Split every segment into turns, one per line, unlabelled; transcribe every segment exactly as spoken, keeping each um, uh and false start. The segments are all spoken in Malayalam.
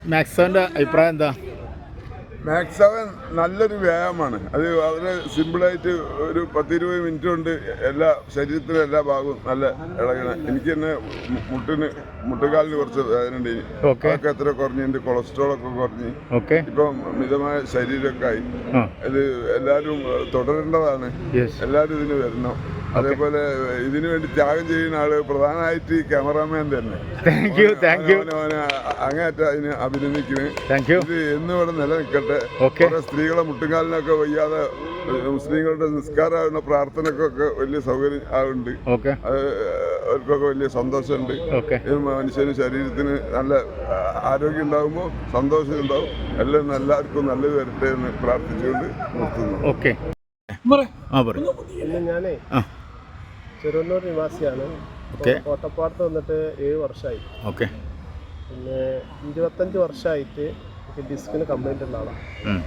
മാക്സ് സെവൻ്റെ അഭിപ്രായം എന്താ?
മാക്സ് സെവൻ നല്ലൊരു വ്യായാമമാണ്. അത് വളരെ സിമ്പിളായിട്ട് ഒരു പത്തിരുപത് മിനിറ്റ് കൊണ്ട് എല്ലാ ശരീരത്തിലെ എല്ലാ ഭാഗവും നല്ല ഇളകണം. എനിക്ക് തന്നെ മുട്ടിന് മുട്ടുകാലിന് കുറച്ച് വേദന ഉണ്ട്. അതൊക്കെ എത്ര കുറഞ്ഞ് എൻ്റെ കൊളസ്ട്രോളൊക്കെ കുറഞ്ഞ് ഇപ്പം മിതമായ ശരീരമൊക്കെ ആയി. ഇത് എല്ലാവരും തുടരേണ്ടതാണ്. എല്ലാവരും ഇതിന് വരണം. അതേപോലെ ഇതിനു വേണ്ടി ത്യാഗം ചെയ്യുന്ന ആള് പ്രധാനമായിട്ട് ക്യാമറാമാൻ തന്നെ. അങ്ങേയറ്റം അതിന് അഭിനന്ദിക്കുന്നു. ഇത് എന്നും ഇവിടെ നിലനിൽക്കട്ടെ. കുറെ സ്ത്രീകളെ മുട്ടുകാലിനൊക്കെ വയ്യാതെ മുസ്ലിങ്ങളുടെ നിസ്കാരമാകുന്ന പ്രാർത്ഥനക്കൊക്കെ വലിയ സൗകര്യം ആവുന്നുണ്ട്. അത് അവർക്കൊക്കെ വലിയ സന്തോഷമുണ്ട്. മനുഷ്യന് ശരീരത്തിന് നല്ല ആരോഗ്യം ഉണ്ടാകുമ്പോൾ സന്തോഷം ഉണ്ടാവും. എല്ലാം എല്ലാവർക്കും നല്ലത് വരട്ടെ എന്ന് പ്രാർത്ഥിച്ചുകൊണ്ട് നിർത്തുന്നു.
ഞാനേ ചെറുവണ്ണൂർ നിവാസിയാണ്. കോട്ടപ്പാടത്ത് വന്നിട്ട് ഏഴ് വർഷമായി.
ഓക്കെ.
പിന്നെ ഇരുപത്തഞ്ച് വർഷമായിട്ട് എനിക്ക് ഡിസ്കിന് കംപ്ലൈൻ്റ് ഉള്ള ആളാണ്.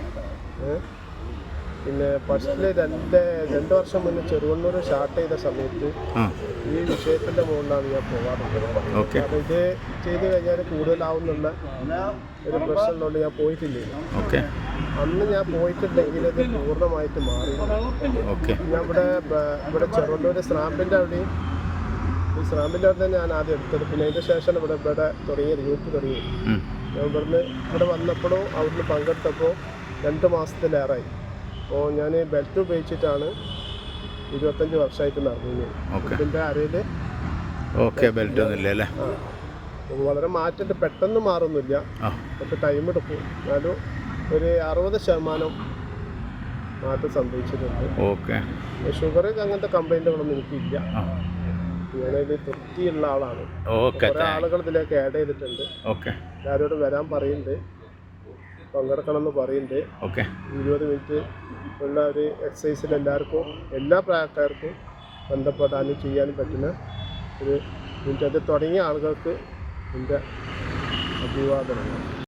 പിന്നെ ഫസ്റ്റിൽ രണ്ട് രണ്ട് വർഷം മുന്നേ ചെറുവണ്ണൂർ സ്റ്റാർട്ട് ചെയ്ത സമയത്ത് ഈ വിഷയത്തിൻ്റെ മുകളിലാണ് ഞാൻ പോകാറുള്ളത്. കാരണം ഇത് ചെയ്ത് കഴിഞ്ഞാൽ കൂടുതലാവുന്നുള്ള ഒരു പ്രശ്നമുള്ളതുകൊണ്ട് ഞാൻ പോയിട്ടില്ല. അന്ന് ഞാൻ പോയിട്ടുണ്ടെങ്കിൽ ഇത് പൂർണ്ണമായിട്ട് മാറി. ഞാൻ ഇവിടെ ഇവിടെ ചെറുവണ്ണൂർ സ്രാമ്പിൻ്റെ അവിടെയും ഈ സ്രാമ്പിൻ്റെ അവിടെ ഞാൻ ആദ്യം എടുത്തത്. പിന്നെ അതിൻ്റെ ശേഷം ഇവിടെ ഇവിടെ തുടങ്ങിയത് യൂത്ത് തുടങ്ങി. ഞാൻ ഇവിടുന്ന് ഇവിടെ വന്നപ്പോഴും അവിടുന്ന് പങ്കെടുത്തപ്പോൾ രണ്ട് മാസത്തിലേറായി. അപ്പോൾ ഞാൻ ബെൽറ്റ് ഉപയോഗിച്ചിട്ടാണ് ഇരുപത്തഞ്ച് വർഷമായിട്ട് നടന്നത്. ഇതിൻ്റെ അരയിൽ
ബെൽറ്റ് ഒന്നുമില്ല.
വളരെ മാറ്റം പെട്ടെന്ന് മാറുന്നില്ല, പക്ഷെ ടൈം എടുക്കും. എന്നാലും ഒരു അറുപത് ശതമാനം മാറ്റം സംഭവിച്ചിട്ടുണ്ട്. ഷുഗർ അങ്ങനത്തെ കംപ്ലൈൻറ്റുകളൊന്നും എനിക്കില്ല. ഞാനതിൽ തൃപ്തിയുള്ള ആളാണ്. കുറേ ആളുകൾ ഇതിലേക്ക് ആഡ് ചെയ്തിട്ടുണ്ട്. എല്ലാവരോടും വരാൻ പറയുന്നുണ്ട്, പങ്കെടുക്കണം എന്ന് പറയുന്നുണ്ട്. ഇരുപത് മിനിറ്റ് ഉള്ള ഒരു എക്സസൈസിൽ എല്ലാവർക്കും എല്ലാ പ്രായക്കാർക്കും ബന്ധപ്പെടാനും ചെയ്യാനും പറ്റുന്ന ഒരു മിനിറ്റ്. അത് തുടങ്ങിയ ആളുകൾക്ക് എൻ്റെ അഭിവാദനങ്ങൾ.